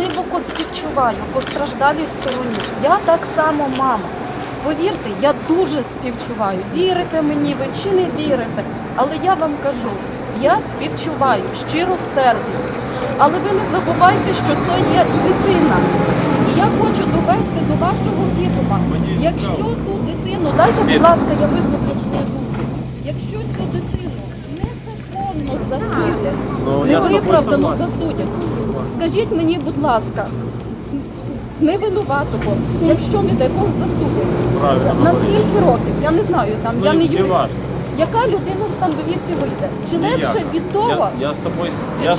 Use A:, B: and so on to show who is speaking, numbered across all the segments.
A: глибоко співчуваю постраждалій стороні. Я так само мама. Повірте, я дуже співчуваю. Вірите мені ви чи не вірите, але я вам кажу, я співчуваю щиросердно. Але ви не забувайте, що це є дитина. І я хочу довести до вашого відома, якщо ту дитину, дайте, будь ласка, я висловлю свою думку, якщо цю дитину незаконно засудять, невиправдано засудять, скажіть мені, будь ласка, не винуватого, якщо, не дай Бог, засудять. На скільки років? Я не знаю, там, я не юрист. Яка людина з там довідці вийде? Чи легше від того?
B: Я з тобою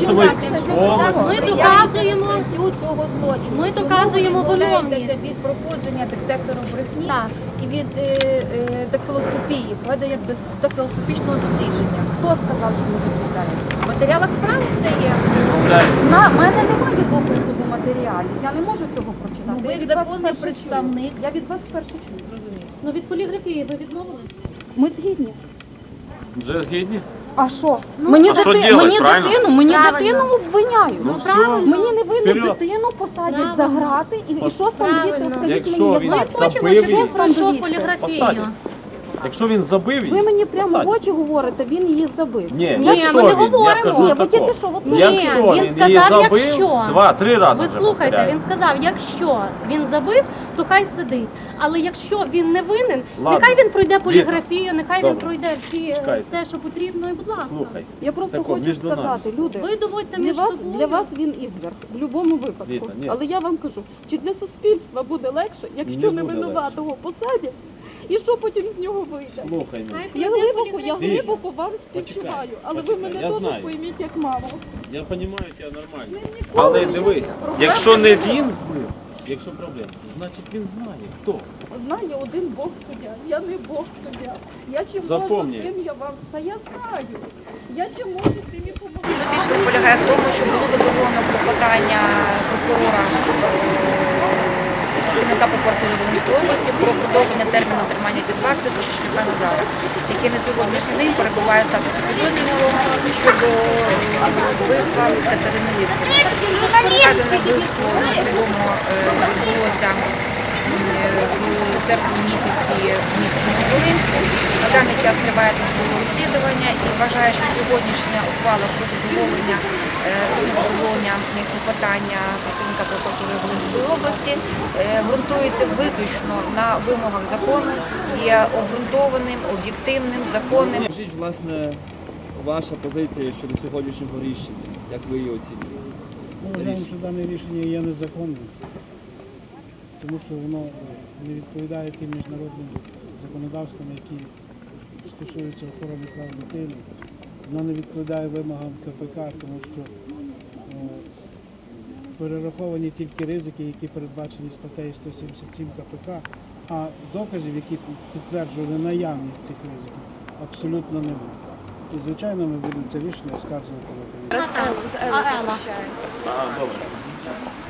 C: Ми доказуємо
D: цього злочину.
C: Ми доказуємо
D: виновність від проходження детектору брехні і від дактилоскопії, проведення дактилоскопічного дослідження.
A: Хто сказав, що ми відповідаємося?
D: В матеріалах справи це є.
A: На мене немає допуску до матеріалів. Я не можу цього прочитати.
D: Ну, ви
A: Я
D: як
A: від вас
D: законний
A: вперше
D: представник.
A: чую. Я від вас вперше чую.
D: Зрозуміло.
C: Ну, від поліграфії ви відмовили?
A: Ми згідні.
B: вже згідні?
A: А що?
C: Ну,
A: мені
B: а що
A: дитину
C: Правильно.
A: дитину обвиняють.
C: Ну,
B: все.
C: правильно.
A: Мені невинну
B: Вперед.
A: дитину посадять
C: Правильно.
A: за грати і що ж там дивіться,
C: Правильно.
A: от скажіть
B: Якщо
A: мені,
B: він
A: як
C: Ми
A: вас?
C: хочемо,
B: Забив
C: щоб він
B: її.
C: пройшов
A: Посадять.
C: поліграфію.
B: Якщо він забив її,
A: Ви мені прямо в
B: посадять.
A: очі говорите, він її забив.
B: Ні,
C: Ні,
B: якщо
C: ми не
B: він,
C: говоримо.
B: я кажу
A: Ні, ви
B: тако.
A: тільки що, от
C: Ні,
B: Якщо
C: він
B: він її
C: сказав,
B: забив,
C: якщо.
B: 2-3 рази
C: Ви
B: вже
C: слухайте,
B: повторяю.
C: він сказав, якщо він забив, то хай сидить. Але якщо він не винен,
B: Ладно.
C: нехай він пройде поліграфію, нехай він
B: Добре.
C: пройде всі
B: Чекайте.
C: те, що потрібно, і будь ласка.
B: Слухай,
A: Я просто
B: Тако,
A: хочу
B: між нами.
A: сказати, люди,
C: Ви доводьте
A: для
C: між
A: вас,
C: собою.
A: для вас він ізверг, в будь-якому випадку.
B: Віта, ні.
A: Але я вам кажу, чи для суспільства буде легше, якщо
B: Не
A: не
B: буде
A: винуватого посадять, і що потім з нього вийде?
B: слухай мене.
C: Хай
A: Я
C: пройде
A: глибоко
B: Віта,
A: вам співчуваю, але ви
B: почекай,
A: мене
B: я
A: теж
B: знаю.
A: пойміть як маму.
B: Я розумію тебе нормально.
A: Ніколи
B: Але
A: не
B: дивись,
A: проблем
B: якщо не
A: було.
B: він бив, якщо проблема, значить він знає, хто.
A: Знає один Бог суддя, я не Бог суддя. Я чим
B: Запомні.
A: можу, тим я вам. Та я знаю. Я чим можу, тим і помогу.
D: Суть рішення полягає в тому, що було задоволено клопотання прокурора працівника прокуратури Волинської області про продовження терміну тримання під вартою Тисячника Назара, який на сьогоднішній день перебуває в статусі підозрюваного щодо вбивства Катерини Літкіної. Вказане вбивство, як відомо, відбулося в серпні місяці в місті Нововолинську. На даний час триває досудове розслідування і вважаю, що сьогоднішня ухвала про задоволення клопотання представника прокуратури Волинської області ґрунтується виключно на вимогах закону, є обґрунтованим, об'єктивним, законним.
E: Скажіть, власне, ваша позиція щодо сьогоднішнього рішення, як ви її оцінюєте?
F: Ми вважаємо, що дане рішення є незаконним, тому що воно не відповідає тим міжнародним законодавствам, які стосуються охорони прав дитини. Воно не відповідає вимогам КПК, тому що перераховані тільки ризики, які передбачені статтею 177 КПК, а доказів, які підтверджували наявність цих ризиків, абсолютно немає. І, звичайно, ми будемо це рішення оскаржувати.
C: А Ела?
B: Добре.